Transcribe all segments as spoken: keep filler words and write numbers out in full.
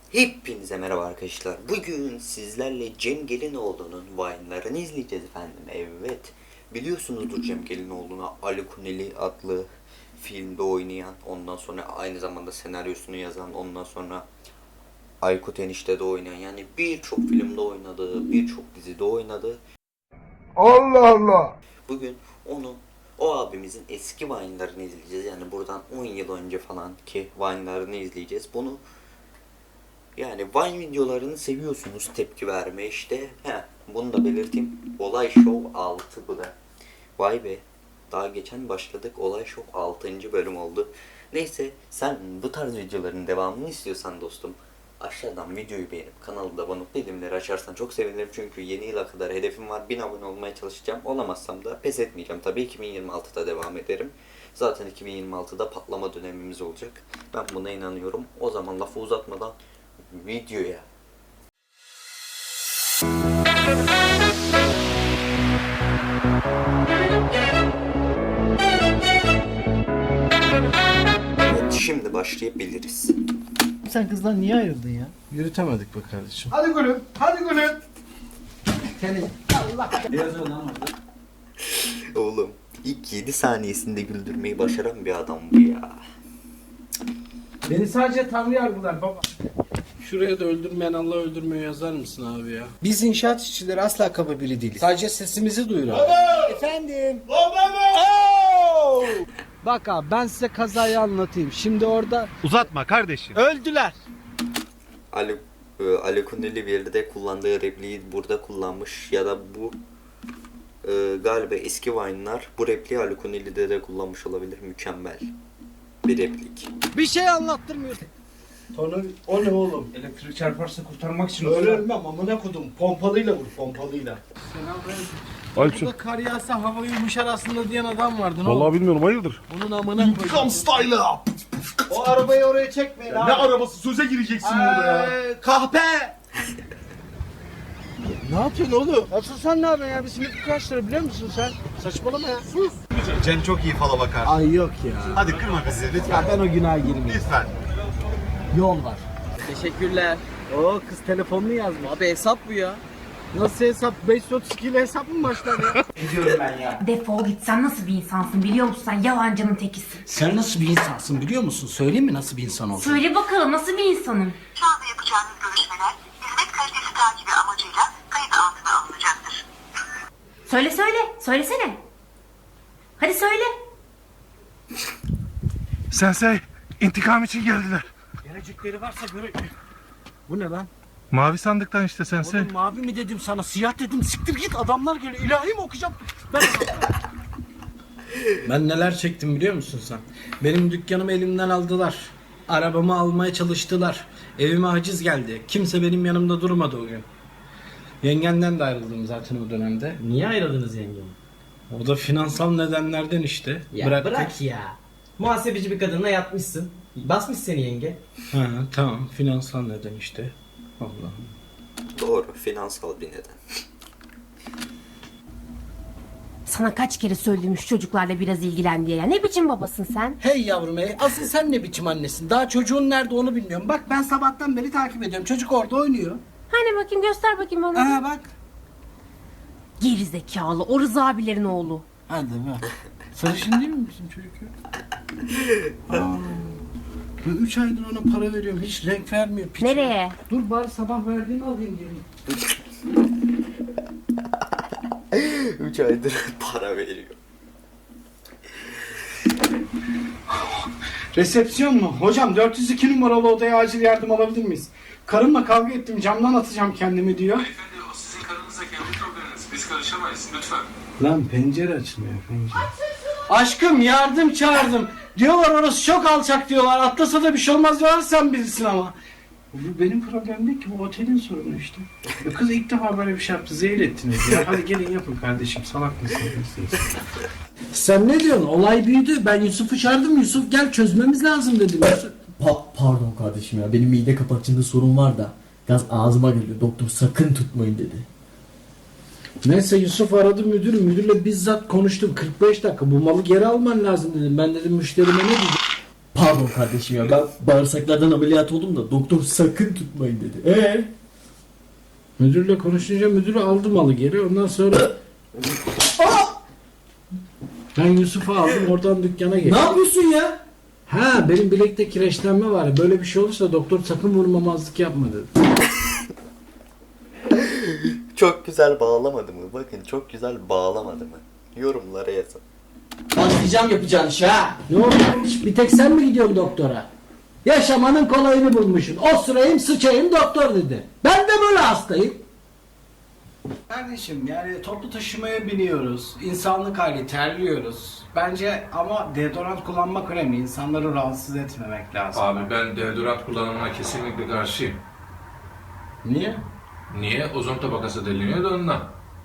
Hepinize merhaba arkadaşlar. Bugün sizlerle Cem Gelinoğlu'nun Vine'larını izleyeceğiz efendim. Evet. Biliyorsunuzdur Cem Gelinoğlu'na Ali Kuneli adlı filmde oynayan, ondan sonra aynı zamanda senaryosunu yazan, ondan sonra Aykut Enişte'de oynayan, yani birçok filmde oynadı, birçok dizide oynadı. Allah Allah. Bugün onu, o abimizin eski Vine'larını izleyeceğiz. Yani buradan on yıl önce falan ki Vine'larını izleyeceğiz. Bunu Yani Vine videolarını seviyorsunuz, tepki verme işte. Heh, bunu da belirteyim. Olay Show altı bu da. Vay be. Daha geçen başladık. Olay Show altıncı bölüm oldu. Neyse, sen bu tarz videoların devamını istiyorsan dostum, aşağıdan videoyu beğenip kanalda abone olup bildirimleri açarsan çok sevinirim. Çünkü yeni yıla kadar hedefim var. bin abone olmaya çalışacağım. Olamazsam da pes etmeyeceğim. Tabii iki bin yirmi altıda devam ederim. Zaten iki bin yirmi altıda patlama dönemimiz olacak. Ben buna inanıyorum. O zaman lafı uzatmadan videoya. Evet, şimdi başlayabiliriz. Sen kızdan niye ayrıldın ya? Yürütemedik be kardeşim. Hadi gülüm. Hadi gülüm. Senin Oğlum, ilk yedi saniyesinde güldürmeyi başaran bir adam bu ya. beni sadece Tanrı yargılar baba. Şuraya da öldürmeyen Allah öldürmüyor yazar mısın abi ya? Biz inşaat işçileri asla kaba biri değiliz. Sadece sesimizi duyuralım. Efendim. Bak abi, ben size kazayı anlatayım. Şimdi orada Uzatma kardeşim. öldüler. Ali, e, Ali Kuneli bir yerde kullandığı repliği burada kullanmış ya da bu e, galiba eski Vine'lar bu repliği Ali Kuneli'de de kullanmış olabilir. Mükemmel bir replik. Bir şey anlattırmıyor. Tonu o ne oğlum? Elektrik çarparsa kurtarmak için Öyle ölmem amına kodum. Pompalıyla vur pompalıyla. Alçın. Burada kar yağsa hava yumuşar aslında diyen adam vardı. Ne Vallahi oldu? bilmiyorum, hayırdır? Onun amına koyayım. Style up. O arabayı oraya çekmeyin Ne abi. arabası, söze gireceksin burada ya. Ee, kahpe. Ne yapıyorsun oğlum? Asıl sen ne yapıyorsun ya? Bir simit kaç lira biliyor musun sen? Saçmalama ya. Sus. Cem çok iyi fala bakar. Ay yok ya. Hadi kırma bizi lütfen. Ya ben o günaha girmeyeyim. Lütfen. Yol var. Teşekkürler. Oo, kız telefonunu yazmış. Abi hesap bu ya. Nasıl hesap? beş yüz otuz iki ile hesap mı başlar ya? Gidiyorum ben ya. Defol git, sen nasıl bir insansın biliyor musun? Sen yalancının tekisin. Sen nasıl bir insansın biliyor musun? Söyleyeyim mi nasıl bir insan olduğunu? Söyle bakalım, nasıl bir insanım? Şu anda yapacağınız görüşmeler hizmet kalitesi takibi amacıyla kayıt altına alınacaktır. Söyle söyle, söylesene. Hadi söyle. Sensei, intikam için geldiler. Gelecekleri varsa göre... Bu ne lan? Mavi sandıktan işte Sensei. Oğlum mavi mi dedim sana, siyah dedim, siktir git, adamlar geliyor, ilahi mi okuyacağım? Ben... Ben neler çektim biliyor musun sen? Benim dükkanımı elimden aldılar. Arabamı almaya çalıştılar. Evime haciz geldi. Kimse benim yanımda durmadı o gün. Yengenden de ayrıldım zaten o dönemde. Niye ayrıldınız yengem? O da finansal nedenlerden işte. Ya Bıraktık. bırak ya. Muhasebeci bir kadınla yatmışsın. Basmış seni yenge. Ha, tamam, finansal neden işte. Allah'ım. Doğru, finansal bir neden. Sana kaç kere söyledim şu çocuklarla biraz ilgilen diye ya. Ne biçim babasın sen? Hey yavrum hey, asıl sen ne biçim annesin? Daha çocuğun nerede onu bilmiyorum. Bak ben sabahtan beri takip ediyorum. Çocuk orada oynuyor. Hani bakayım, göster bakayım bana. Aha bak. Geri zekalı, o Rıza abilerin oğlu. Hadi be. Sarışın değil mi bizim çocuk ya? Aa, ben üç aydır ona para veriyorum. Hiç renk vermiyor. Piç. Nereye? Dur bari sabah verdiğini alayım geri. üç aydır para veriyor. Resepsiyon mu? Hocam dört yüz iki numaralı odaya acil yardım alabilir miyiz? Karımla kavga ettim, camdan atacağım kendimi diyor. Beyefendi, o sizin karınızla kendi probleminiz. Biz karışamayız lütfen. Lan pencere açılmıyor, pencere. Aşkım yardım çağırdım. Diyorlar orası çok alçak diyorlar. Atlasa da bir şey olmaz diyorlar, sen bilirsin ama. Bu benim problemim değil ki, bu otelin sorunu işte. Ya kız ilk defa böyle bir şey yaptı, zehir ettiniz ya. Hadi gelin yapın kardeşim, salak mısınız? Sen ne diyorsun? Olay büyüdü. Ben Yusuf'u çağırdım. Yusuf gel çözmemiz lazım dedim. Yusuf... Pa- pardon kardeşim ya. Benim mide kapakçığında sorun var da. Gaz ağzıma geliyor. Doktor sakın tutmayın dedi. Neyse Yusuf aradı müdürü. Müdürle bizzat konuştum. kırk beş dakika bu malı geri alman lazım dedim. Ben dedim müşterime ne diyeceğim? Pardon kardeşim ya, ben bağırsaklardan ameliyat oldum da doktor sakın tutmayın dedi. Eee? Müdürle konuşunca müdürü aldı malı geri. Ondan sonra ben Yusuf'u aldım, oradan dükkana Ne geldim. yapıyorsun ya? Ha, benim bilekte kireçlenme var. Böyle bir şey olursa doktor sakın vurmamazlık yapma dedi. Çok güzel bağlamadı mı? Bakın çok güzel bağlamadı mı? Yorumlara yazın. Başlayacağım yapacağın işe ha. Ne olmuş? Bir tek sen mi gidiyorsun doktora? Yaşamanın kolayını bulmuşsun. O sırayım sıçayım doktor dedi. Ben de böyle hastayım. Kardeşim yani toplu taşımaya biniyoruz. İnsanlık hali terliyoruz. Bence ama deodorant kullanmak önemli. İnsanları rahatsız etmemek lazım. Abi ben deodorant kullanımına kesinlikle karşıyım. Niye? Niye? Ozon tabakası deliniyor da ondan.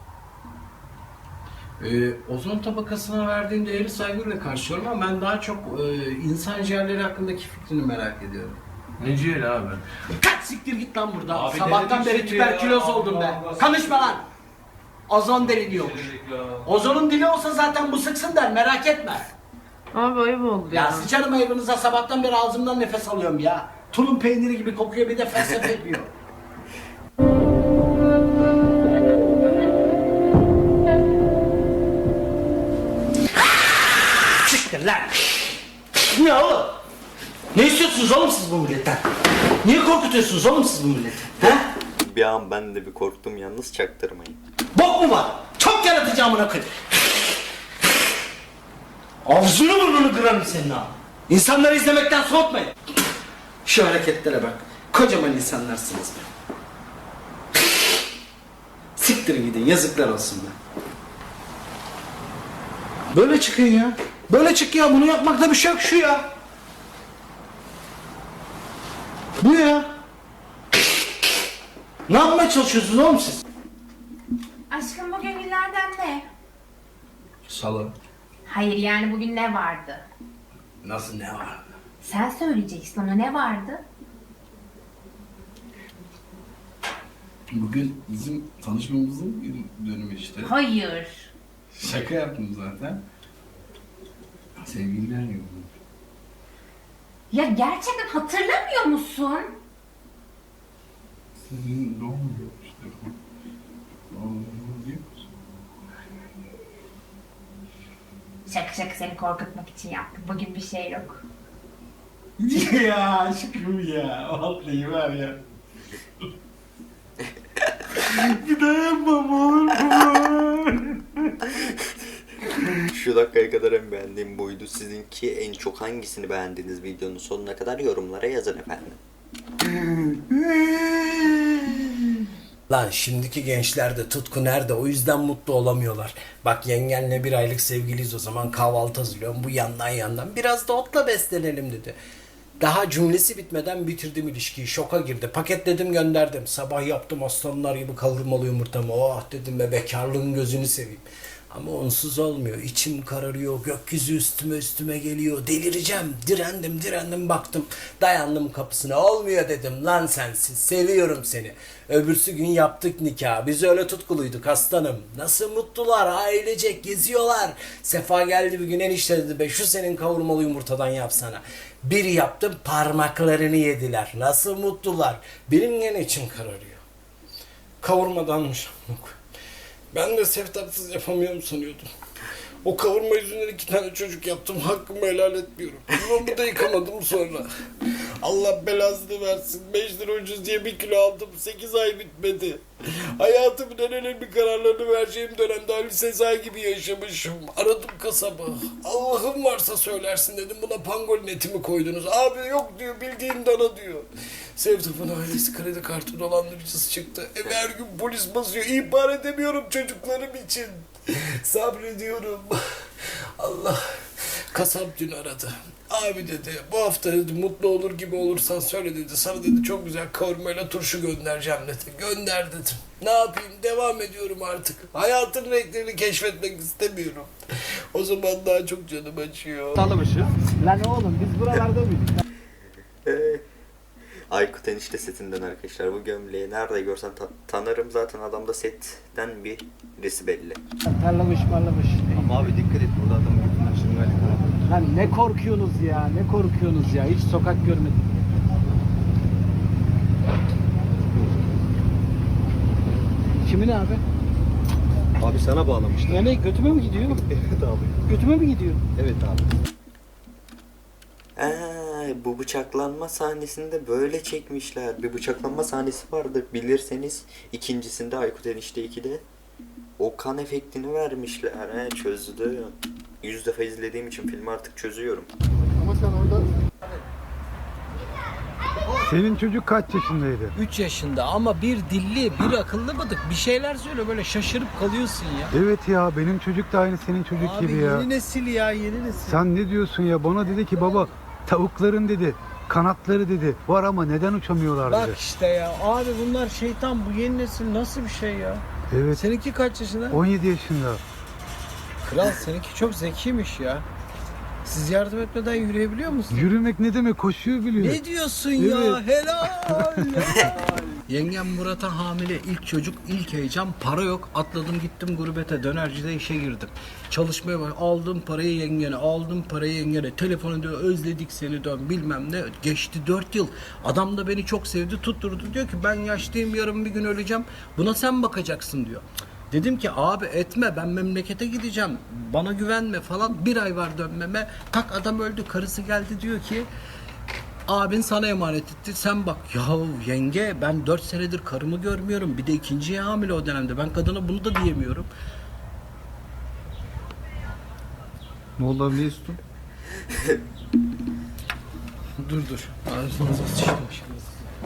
Ee, ozon tabakasına verdiğim değeri saygıyla karşılıyorum ama ben daha çok e, insan ciğerleri hakkındaki fikrini merak ediyorum. Ne ciğeri abi? Kaç siktir git lan buradan. Abi Sabahtan denedik beri şimdi ya. tüberküloz oldum Allah ben. Allah. Konuşma lan. Ozon deliniyormuş. Ozonun dili olsa zaten bu sıksın der, merak etme. Abi ayıp oldu Ya ya. sıçarım ayıbınıza, sabahtan beri ağzımdan nefes alıyorum ya. Tulum peyniri gibi kokuyor, bir de felsefe yapıyor. Siktir lan. Ne oğlum? Ne istiyorsunuz oğlum siz bu milletten? Niye korkutuyorsunuz oğlum siz bu milleti? He? Bir an ben de bir korktum, yalnız çaktırmayın. Bok mu var? Çok yaratıcı amına koyayım. Ağzını burnunu kırarım senin ha. İnsanları izlemekten soğutmayın. Şu hareketlere bak. Kocaman insanlarsınız be. Siktirin gidin, yazıklar olsun be. Böyle çıkın ya. Böyle çık ya, bunu yapmakta bir şey yok, şu ya. Bu ya. Ne yapmaya çalışıyorsunuz oğlum siz? Aşkım bugün günlerden ne? Salı. Hayır yani bugün ne vardı? Nasıl ne var? Sen söyleyeceksin ama ne vardı? Bugün bizim tanışmamızın gün dönümü işte. Hayır. Şaka yaptım zaten. Sevgililer günü. Ya gerçekten hatırlamıyor musun? Sizin doğum günü işte. Doğum günü değil mi? Şaka şaka seni korkutmak için yaptım. Bugün bir şey yok. Ya aşkım ya. Vallahi var ya. Bir daha yapmam olur. Şu dakikaya kadar en beğendiğim buydu. Sizinki en çok hangisini beğendiniz videonun sonuna kadar yorumlara yazın efendim. Lan şimdiki gençlerde tutku nerede? O yüzden mutlu olamıyorlar. Bak yengenle bir aylık sevgiliyiz, o zaman kahvaltı hazırlıyorum. Bu yandan yandan biraz da otla beslenelim dedi. Daha cümlesi bitmeden bitirdim ilişkiyi. Şoka girdi. Paketledim gönderdim. Sabah yaptım aslanlar gibi kavurmalı yumurtamı. Oh dedim be, bekarlığın gözünü seveyim. Ama onsuz olmuyor. İçim kararıyor. Gökyüzü üstüme üstüme geliyor. Delireceğim. Direndim direndim baktım. Dayandım kapısına. Olmuyor dedim. Lan sensiz. Seviyorum seni. Öbürsü gün yaptık nikah. Biz öyle tutkuluyduk aslanım. Nasıl mutlular. Ailecek geziyorlar. Sefa geldi bir gün, enişte dedi be, şu senin kavurmalı yumurtadan yapsana. Bir yaptım, parmaklarını yediler. Nasıl mutlular. Benim gene içim kararıyor. Kavurmadanmış. Ben de sevtapsız yapamıyorum sanıyordum. O kavurma yüzünden iki tane çocuk yaptım. Hakkımı helal etmiyorum. Yuvamı da yıkamadım sonra. Allah belasını versin. beş lira ucuz diye bir kilo aldım. sekiz ay bitmedi. Hayatımın en önemli kararlarını vereceğim dönemde Ali Sezai gibi yaşamışım. Aradım kasabı. Allah'ım varsa söylersin dedim. Buna pangolin etimi koydunuz. Abi yok diyor, bildiğin dana diyor. Sevtap'ın ailesi kredi kartı dolandırıcısı çıktı. Eve her gün polis basıyor. İhbar edemiyorum çocuklarım için. Sabrediyorum. Allah. Kasap dün aradı. Abi dedi, bu hafta dedi mutlu olur gibi olursan söyle dedi. Sana dedi çok güzel kavurmayla turşu göndereceğim dedi. Gönder dedim. Ne yapayım, devam ediyorum artık. Hayatın renklerini keşfetmek istemiyorum. O zaman daha çok canım acıyor. Tanımışız. Lan oğlum biz buralarda mıydık? Aykut enişte setinden arkadaşlar. Bu gömleği nerede görsem ta- tanırım. Zaten adamda setten birisi belli. Tarlamış marlamış. Ama abi dikkat et, burada adamın götünden şırıngayla kanatıyor. Lan ne korkuyorsunuz ya, ne korkuyorsunuz ya, hiç sokak görmedim. Kimin abi? Abi sana bağlamışlar. Yani götüme mi gidiyor? Evet abi. Götüme mi gidiyor? Evet abi. Ee, bu bıçaklanma sahnesinde böyle çekmişler. Bir bıçaklanma sahnesi vardır bilirseniz. İkincisinde Aykut Enişte ikide. O kan efektini vermişler. He, çözdü. Yüz defa izlediğim için filmi artık çözüyorum. Ama sen orada... Senin çocuk kaç yaşındaydı? üç yaşında ama bir dilli, bir akıllı bıdık. Bir şeyler söyle, böyle şaşırıp kalıyorsun ya. Evet ya, benim çocuk da aynı senin çocuk Abi gibi ya. yeni nesil ya, yeni nesil. Sen ne diyorsun ya? Bana dedi ki baba, tavukların dedi kanatları dedi var ama neden uçamıyorlar Bak dedi. işte ya abi, bunlar şeytan, bu yeni nesil nasıl bir şey ya? Evet. Seninki kaç yaşında? on yedi yaşında. Kral seninki çok zekiymiş ya. Siz yardım etmeden yürüyebiliyor musun? Yürümek ne demek? Koşuyor biliyor. Ne diyorsun ya? Evet. Helal, helal. Yengem Murat'a hamile, ilk çocuk, ilk heyecan, para yok. Atladım gittim gurbete, dönercide işe girdim. Çalışmaya bak, aldım parayı yengene, aldım parayı yengene. Telefonu diyor, özledik seni dön bilmem ne. Geçti dört yıl. Adam da beni çok sevdi, tutturdu. Diyor ki ben yaşlıyım, yarın bir gün öleceğim. Buna sen bakacaksın diyor. Dedim ki abi etme, ben memlekete gideceğim, bana güvenme falan. Bir ay var dönmeme, tak adam öldü, karısı geldi diyor ki abin sana emanet etti, sen bak. Yahu yenge, ben dört senedir karımı görmüyorum, bir de ikinciye hamile o dönemde, ben kadına bunu da diyemiyorum. Ne oldu abi, ne istiyorsun? Dur dur, ağzınıza sıçtım şimdi.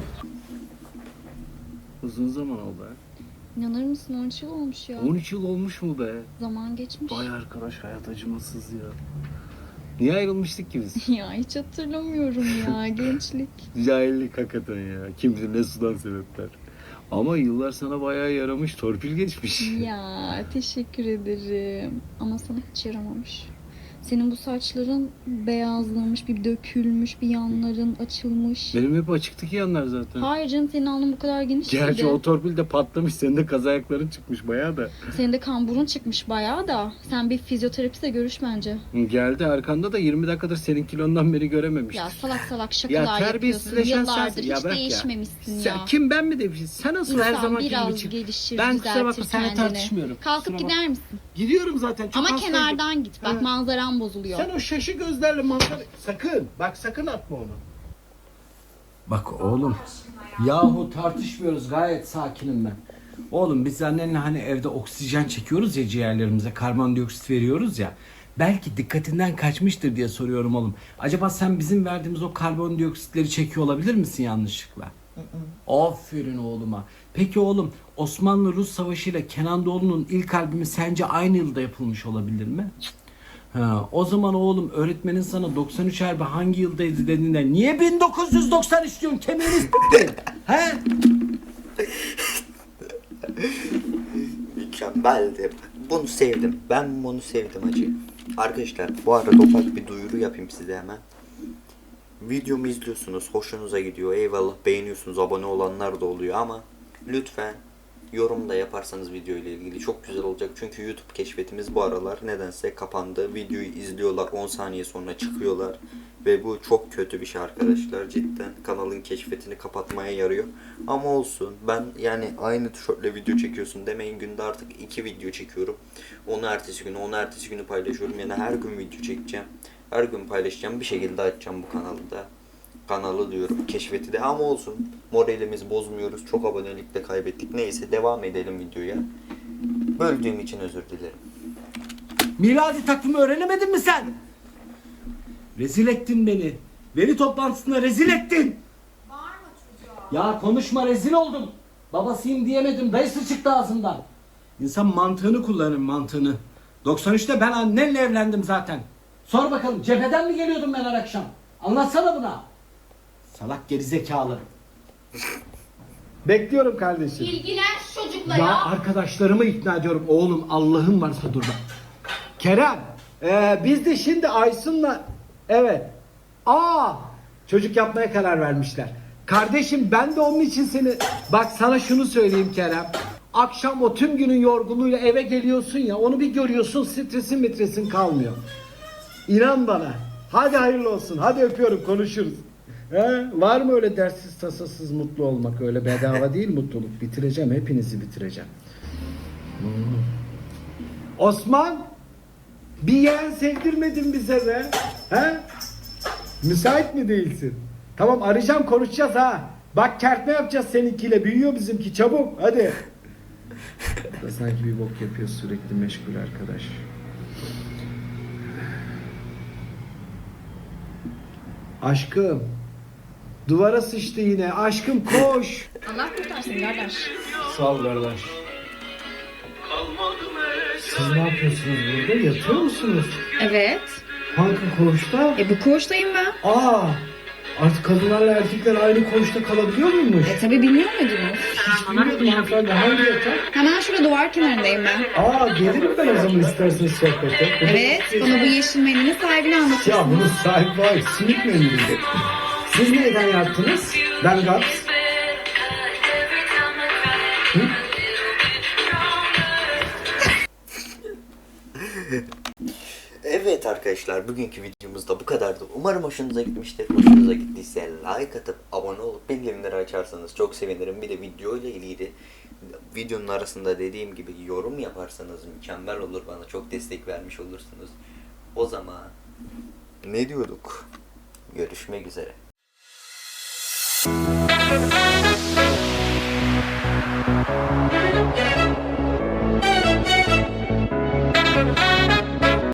Uzun zaman oldu ha. İnanır mısın on üç yıl olmuş ya. on üç yıl olmuş mu be? Zaman geçmiş. Vay arkadaş, hayat acımasız ya. Niye ayrılmıştık ki biz? Ya hiç hatırlamıyorum ya gençlik. Cahillik hakikaten ya. Kim bilir ne sudan sebepler. Ama yıllar sana bayağı yaramış, torpil geçmiş. Ya teşekkür ederim. Ama sana hiç yaramamış. Senin bu saçların beyazlamış, bir dökülmüş, bir yanların açılmış. Benim hep açıktı ki yanlar zaten. Hayır canım, senin alnın bu kadar geniş Gerçi değildi. o torpil de patlamış, senin de kaz ayakların çıkmış bayağı da. Senin de kamburun çıkmış bayağı da. Sen bir fizyoterapiste görüş bence. Geldi arkanda da yirmi dakikadır senin kilondan beri görememiştir. Ya salak salak Ya şakalar yapıyorsun. terbiyesizleşen Yıllardır sensin. Ya hiç bırak ya. değişmemişsin Sen, ya. kim, ben mi demişim? Sen nasıl her İnsan zaman gibi biraz çık. gelişir, Ben kusura bakma, düzeltir seninle kendini. tartışmıyorum. Kalkıp Kusura gider misin? Gidiyorum zaten. Çok Ama hastayım. kenardan git. Bak Ha. manzaran bozuluyor. Sen o şaşı gözlerle manzara... Sakın, bak sakın atma onu. Bak oğlum, yahu tartışmıyoruz, gayet sakinim ben. Oğlum biz annenle hani evde oksijen çekiyoruz ya ciğerlerimize, karbondioksit veriyoruz ya. Belki dikkatinden kaçmıştır diye soruyorum oğlum. Acaba sen bizim verdiğimiz o karbondioksitleri çekiyor olabilir misin yanlışlıkla? Aferin oğluma. Peki oğlum, Osmanlı-Rus Savaşı ile Kenan Doğulu'nun ilk albümü sence aynı yılda yapılmış olabilir mi? Ha, o zaman oğlum öğretmenin sana doksan üç harbi hangi yıldaydı dediğinde niye bin dokuz yüz doksan üç diyorsun, kemiğini s**tin? He? Mükemmeldi. Bunu sevdim. Ben bunu sevdim acı. Arkadaşlar bu arada ufak bir duyuru yapayım size hemen. Videomu izliyorsunuz, hoşunuza gidiyor, eyvallah, beğeniyorsunuz, abone olanlar da oluyor ama lütfen yorum da yaparsanız video ile ilgili çok güzel olacak. Çünkü YouTube keşfetimiz bu aralar nedense kapandı. Videoyu izliyorlar, on saniye sonra çıkıyorlar ve bu çok kötü bir şey arkadaşlar. Cidden kanalın keşfetini kapatmaya yarıyor. Ama olsun, ben yani aynı tişörtle video çekiyorsun demeyin, günde artık iki video çekiyorum. Onu ertesi günü, onu ertesi günü paylaşıyorum. Yani her gün video çekeceğim. Her gün paylaşacağım, bir şekilde açacağım bu kanalda. Kanalı diyorum, keşfeti de, ama olsun. Moralimizi bozmuyoruz, çok abonelik de kaybettik. Neyse, devam edelim videoya. Böldüğüm için özür dilerim. Miladi takvimi öğrenemedin mi sen? Rezil ettin beni. Veli toplantısında rezil ettin. Bağırma çocuğa. Ya konuşma, rezil oldum. Babasıyım diyemedim, dayısı çıktı ağzından. İnsan mantığını kullanır, mantığını. doksan üçte ben annenle evlendim zaten. Sor bakalım, cepheden mi geliyordum ben her akşam? Anlatsana buna. Salak gerizekalı. Bekliyorum kardeşim. İlgilen şu çocukla Ya, ya. arkadaşlarımı ikna ediyorum. Oğlum Allah'ın varsa dur bak. Kerem, ee, biz de şimdi Aysun'la... Evet. Aa, çocuk yapmaya karar vermişler. Kardeşim ben de onun için seni... Bak sana şunu söyleyeyim Kerem. Akşam o tüm günün yorgunluğuyla eve geliyorsun ya, onu bir görüyorsun, stresin mitresin kalmıyor. İnan bana. Hadi hayırlı olsun. Hadi öpüyorum, konuşuruz. He? Var mı öyle derssiz tasasız mutlu olmak? Öyle bedava değil mutluluk. Bitireceğim, hepinizi bitireceğim. Hmm. Osman, bir yeğen sevdirmedin bize be. He? Müsait mi değilsin? Tamam, arayacağım, konuşacağız ha. Bak kertme yapacağız seninkiyle. Büyüyor bizimki, çabuk hadi. Da sanki bir bok yapıyor, sürekli meşgul arkadaş. Aşkım. Duvara sıçtı yine. Aşkım koş. Allah kurtarsın kardeş. Sağ ol kardeş. Siz ne yapıyorsunuz burada? Yatıyor musunuz? Evet. Hangi koğuşta? E bu koğuştayım ben. Aa! Artık kadınlarla erkekler aynı koğuşta kalabiliyor muymuş? E tabi bilmiyor muydunuz? Hiç bilmiyordum hanımefendi. Hangi yatak? Hemen şurada duvar kenarındayım ben. Aa, gelirim ben o zaman isterseniz sohbete. Evet, bana bu yeşil mendilin sahibini anlatırsın. Ya bunun sahibi var. Simit mendili. Siz neyden yaptınız? Ben Gats. Hı? Evet arkadaşlar, bugünkü videomuz da bu kadardı. Umarım hoşunuza gitmiştir. Hoşunuza gittiyse like atıp abone olup bildirimleri açarsanız çok sevinirim. Bir de video ile ilgili videonun arasında dediğim gibi yorum yaparsanız mükemmel olur, bana çok destek vermiş olursunuz. O zaman ne diyorduk? Görüşmek üzere.